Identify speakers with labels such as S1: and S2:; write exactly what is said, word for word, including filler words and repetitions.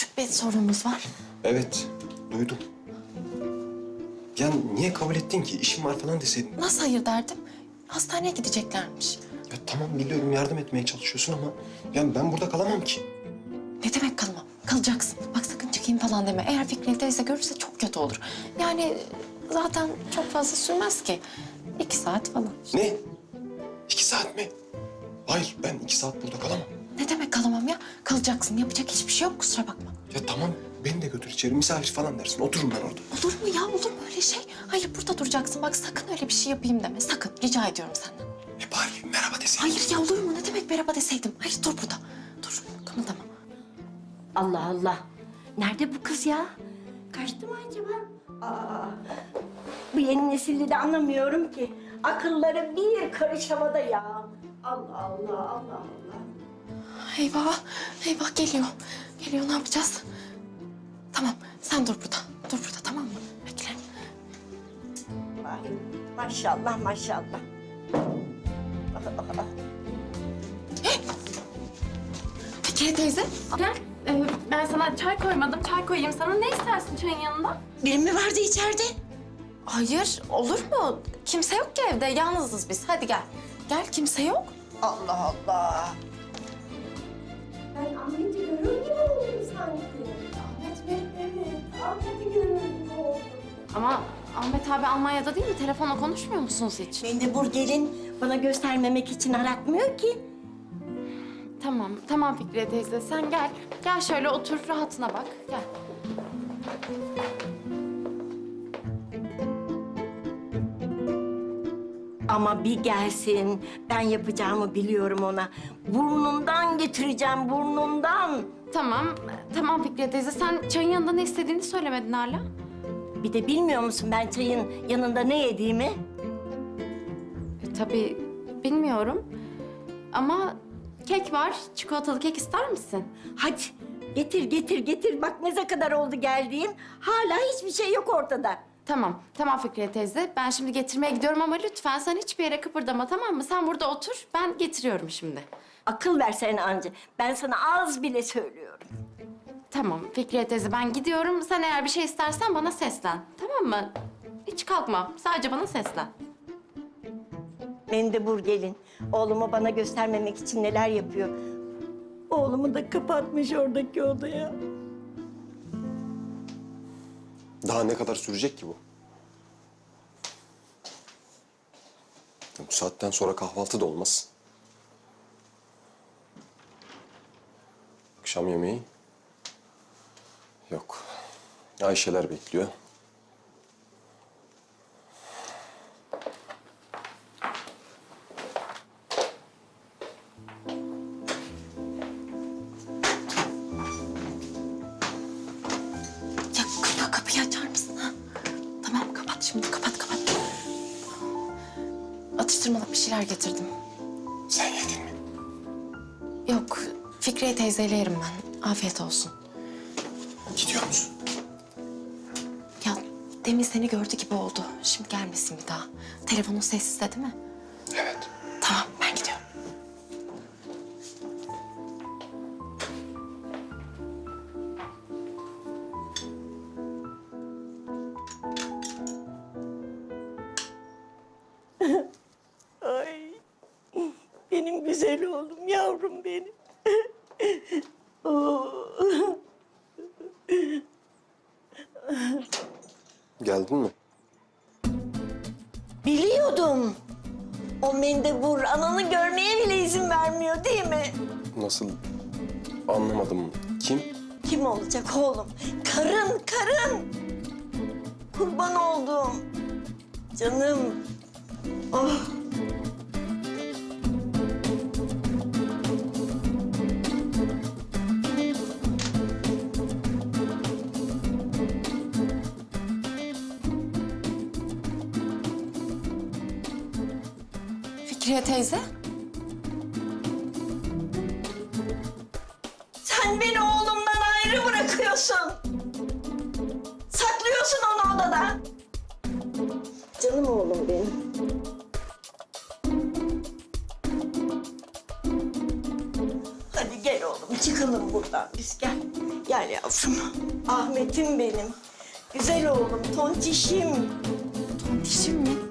S1: bir sorunumuz var.
S2: Evet, duydum. Ya niye kabul ettin ki? İşim var falan deseydin.
S1: Nasıl hayır derdim? Hastaneye gideceklermiş.
S2: Ya tamam biliyorum yardım etmeye çalışıyorsun ama... ...ya ben burada kalamam ki.
S1: Ne demek kalmam? Kalacaksın. Bak sakın çıkayım falan deme. Eğer Fikri teyze görürse çok kötü olur. Yani zaten çok fazla sürmez ki. İki saat falan.
S2: Ne? İki saat mi? Hayır, ben iki saat burada kalamam.
S1: Ne demek kalamam ya? Kalacaksın. Yapacak hiçbir şey yok, kusura bakma.
S2: Ya tamam, beni de götür içeri. Misafir falan dersin. Otururum ben orada.
S1: Olur mu ya? Olur mu öyle şey? Hayır, burada duracaksın. Bak sakın öyle bir şey yapayım deme. Sakın. Rica ediyorum senden.
S2: E bari merhaba deseydin.
S1: Hayır ya, olur mu? Ne demek merhaba deseydim? Hayır, dur burada. Dur, kımıldama.
S3: Allah Allah. Nerede bu kız ya? Kaçtı mı acaba? Aa, bu yeni nesilde de anlamıyorum ki. Akılları bir karış havada ya. Allah Allah, Allah Allah.
S1: Eyvah, eyvah geliyor. Geliyor, ne yapacağız? Tamam, sen dur burada. Dur burada, tamam mı? Bekle.
S3: Vay, maşallah maşallah.
S1: Fikriye teyze.
S4: Gel. Ee, ben sana çay koymadım. Çay koyayım sana. Ne istersin çayın yanında?
S3: Biri mi vardı içeride?
S1: Hayır, olur mu? Kimse yok ki evde, yalnızız biz. Hadi gel. Gel, kimse yok.
S3: Allah Allah. Ben Ahmet'i görür gibi oldum sanki. Ahmet mi? Evet, Ahmet'i görür gibi oldum.
S4: Ama Ahmet abi Almanya'da değil mi? Telefonla konuşmuyor musunuz hiç?
S3: Mendebur gelin bana göstermemek için aratmıyor ki.
S4: Tamam, tamam Fikriye teyze. Sen gel. Gel şöyle otur, rahatına bak. Gel.
S3: Ama bir gelsin, ben yapacağımı biliyorum ona. Burnundan getireceğim, burnundan.
S4: Tamam, tamam Fikriye teyze. Sen çayın yanında ne istediğini söylemedin hala.
S3: Bir de bilmiyor musun ben çayın yanında ne yediğimi?
S4: E, tabii bilmiyorum. Ama kek var. Çikolatalı kek ister misin?
S3: Hadi getir, getir, getir. Bak ne kadar oldu geldiğim. Hala hiçbir şey yok ortada.
S4: Tamam, tamam Fikriye teyze. Ben şimdi getirmeye gidiyorum ama lütfen sen hiçbir yere kıpırdama, tamam mı? Sen burada otur, ben getiriyorum şimdi.
S3: Akıl versen anca. Ben sana az bile söylüyorum.
S4: Tamam Fikriye teyze, ben gidiyorum. Sen eğer bir şey istersen bana seslen, tamam mı? Hiç kalkma, sadece bana seslen.
S3: Mendebur gelin. Oğlumu bana göstermemek için neler yapıyor. Oğlumu da kapatmış oradaki odaya.
S2: Daha ne kadar sürecek ki bu? Ya bu saatten sonra kahvaltı da olmaz. Akşam yemeği? Yok. Ayşeler bekliyor.
S1: Ya, ya kapıyı açar mısın ha? Tamam, kapat şimdi. Kapat, kapat. Atıştırmalık bir şeyler getirdim.
S2: Sen yedin mi?
S1: Yok, Fikriye teyzeyle yerim ben. Afiyet olsun.
S2: Gidiyor musun?
S1: Ya demin seni gördü gibi oldu. Şimdi gelmesin bir daha. Telefonun sessizde değil mi?
S2: Evet.
S1: Tamam, ben gidiyorum.
S3: Ay, benim güzel oğlum, yavrum benim. Oo.
S2: Geldin mi?
S3: Biliyordum. O mendebur ananı görmeye bile izin vermiyor değil mi?
S2: Nasıl? Anlamadım. Kim?
S3: Kim olacak oğlum? Karın, karın. Kurban oldum. Canım. Oh.
S1: Fikriye teyze.
S3: Sen beni oğlumdan ayrı bırakıyorsun. Saklıyorsun onu odada. Canım oğlum benim. Hadi gel oğlum çık çıkalım buradan biz. Gel. Gel yavrum. Ahmet'im benim. Güzel oğlum, tontişim.
S1: Tontişim mi?